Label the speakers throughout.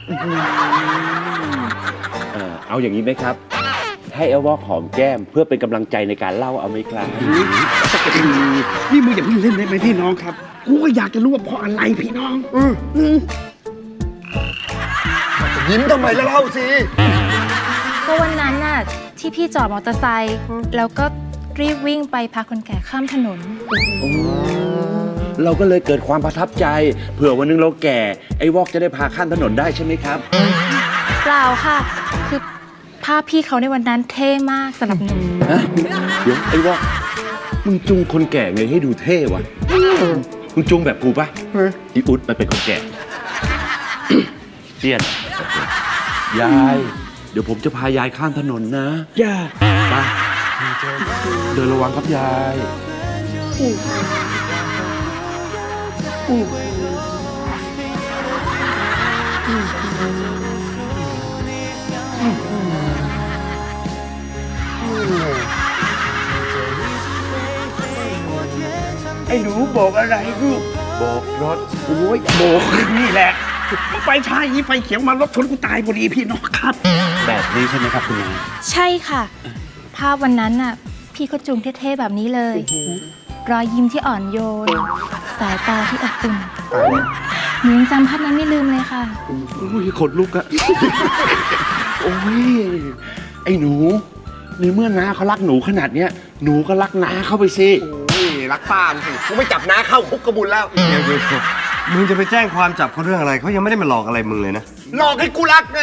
Speaker 1: เอาอย่างนี้ไหมครับให้เอลวอกหอมแก้มเพื่อเป็นกำลังใจในการเล่าเอาไหมครับ
Speaker 2: นี่มึงอย่าเพิ่งเล่นได้ไหมพี่น้องครับกูก็อยากจะรู้ว่าเพราะอะไรพี่น้อง
Speaker 3: ยิ้มทำไมแล้วเล่าสิ
Speaker 4: ก็วันนั้นน่ะที่พี่จอดมอเตอร์ไซค์แล้วก็รีบวิ่งไปพาคนแก่ข้ามถนน
Speaker 1: เราก็เลยเกิดความประทับใจเผื่อวันนึงเราแก่ไอ้วอกจะได้พาข้ามถนนได้ใช่ไหมครับ
Speaker 4: เปล่าค่ะ คือภาพพี่เขาในวันนั้นเท่มากสำหรับหนู
Speaker 1: ฮะเดี๋ยวไอ้วอกมึงจูงคนแก่ไงให้ดูเท่วะมึงจูงแบบกูปะอีอุ๊ดมันเป็นคนแก่ เจียนยายเดี๋ยวผมจะพายายข้ามถนนนะ
Speaker 2: จ้า
Speaker 1: ไปเดินระวังครับยาย
Speaker 2: ไอ้หนูบอกอะไรลูก
Speaker 1: บอกรถ
Speaker 2: โอ้ยบอกนี่แหละไฟช้าอย่างนี้ไฟเขียวมารถชนกูตายพอดีพี่น้องครับ
Speaker 1: แบบนี้ใช่ไหมครับคุณยาย
Speaker 4: ใช่ค่ะ ภาพวันนั้นน่ะพี่เขาจูงเท่ๆแบบนี้เลย รอยยิ้มที่อ่อนโยน สายตาที่อบอุ่นหนูยังจำภาพนั้นไม่ลืมเลยค่ะ
Speaker 1: โอ้ยขนลุกอะ โอ้ยไอ้หนูในเมื่อน้าเขารักหนูขนาดเนี้ยหนูก็รักน้าเข้าไปสิ
Speaker 3: โอ้ยรักป้ามสิกูไม่จับน้าเข้าคุกกระบุญแล้ว
Speaker 5: เดี๋ยวมึงจะไปแจ้งความจับเขาเรื่องอะไรเขายังไม่ได้มาหลอกอะไรมึงเลยนะ
Speaker 3: หลอกให้กูรักไง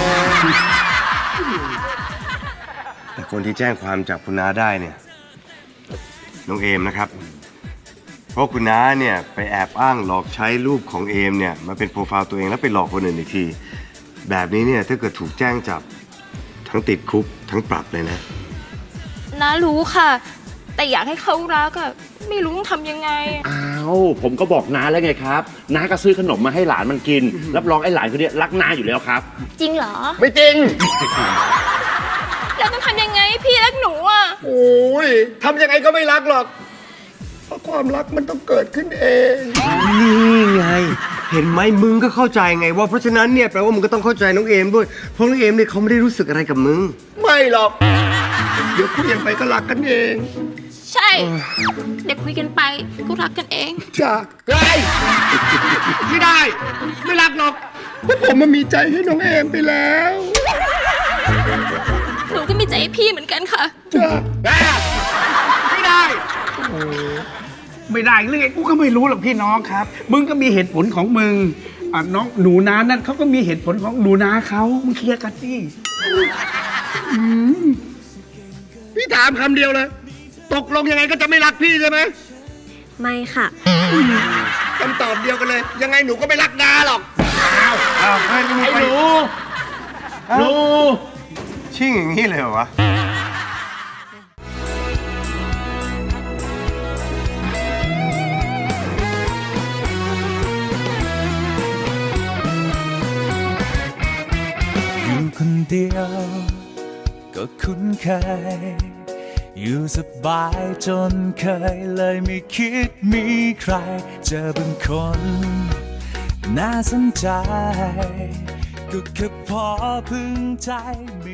Speaker 5: แต่คนที่แจ้งความจับคุณน้าได้เนี่ยน้องเอมนะครับ เพราะคุณน้าเนี่ยไปแอบอ้างหลอกใช้รูปของเอมเนี่ยมาเป็นโปรไฟล์ตัวเองแล้วไปหลอกคนอื่นอีกที แบบนี้เนี่ยถ้าเกิดถูกแจ้งจับทั้งติดคุกทั้งปรับเลยนะ
Speaker 4: น้ารู้ค่ะ แต่อยากให้เขารักอะไม่รู้ต้องทำยังไง
Speaker 1: อ้าวผมก็บอกน้าแล้วไงครับน้าก็ซื้อขนมมาให้หลานมันกิน รับรองไอ้หลานคนเนี้ยรักน้าอยู่แล้วครับ
Speaker 4: จริงเหรอ
Speaker 3: ไม่จริง
Speaker 4: แล้วต้องทำยังไงให้พี่รักหนูอะ
Speaker 3: โอ้ยทำยังไงก็ไม่รักหรอก เพราะความรักมันต้องเกิดขึ้นเอง
Speaker 5: นี่ไง เห็นไหมมึงก็เข้าใจไงว่าเพราะฉะนั้นเนี่ยแปลว่ามึงก็ต้องเข้าใจน้องเอมด้วยเพราะน้องเอมเนี่ยเขาไม่ได้รู้สึกอะไรกับมึง
Speaker 3: ไม่หรอก เดี๋ยวคุยกันไปก็รักกันเอง
Speaker 4: ใช่ เด็กคุยกันไปก็รักกันเอง
Speaker 3: จ้าไงไม่ได้ ไม่รักหรอกเพราะผมมันมีใจให้น้องเอมไปแล้ว
Speaker 4: หนูก็มีใจให้พี่เหมือนกันค่ะ
Speaker 3: จ้าไม่ได้
Speaker 2: ไม่ได้เรื่องไงกูก็ไม่รู้หรอกพี่น้องครับ มึงก็มีเหตุผลของมึงน้องหนูนานั่นเขาก็มีเหตุผลของหนูนาเขามึงเคลียร์กันสิ
Speaker 3: พี่ถามคำเดียวเลย ตกลงยังไงก็จะไม่รักพี่ใช่ไหม
Speaker 6: ไม่ค่ะ
Speaker 3: คำตอบเดียวกันเลย ยังไงหนูก็ไม่รักดาหรอก
Speaker 1: ไอ้หนูหนู
Speaker 5: ชิ่งอย่างนี้เลยเหรอวะ
Speaker 7: อยู่คนเดียวก็คุ้นเคยอยู่สบายจนเคยเลยไม่คิดมีใครเจอบางคนน่าสนใจก็แค่พอพึงใจไม่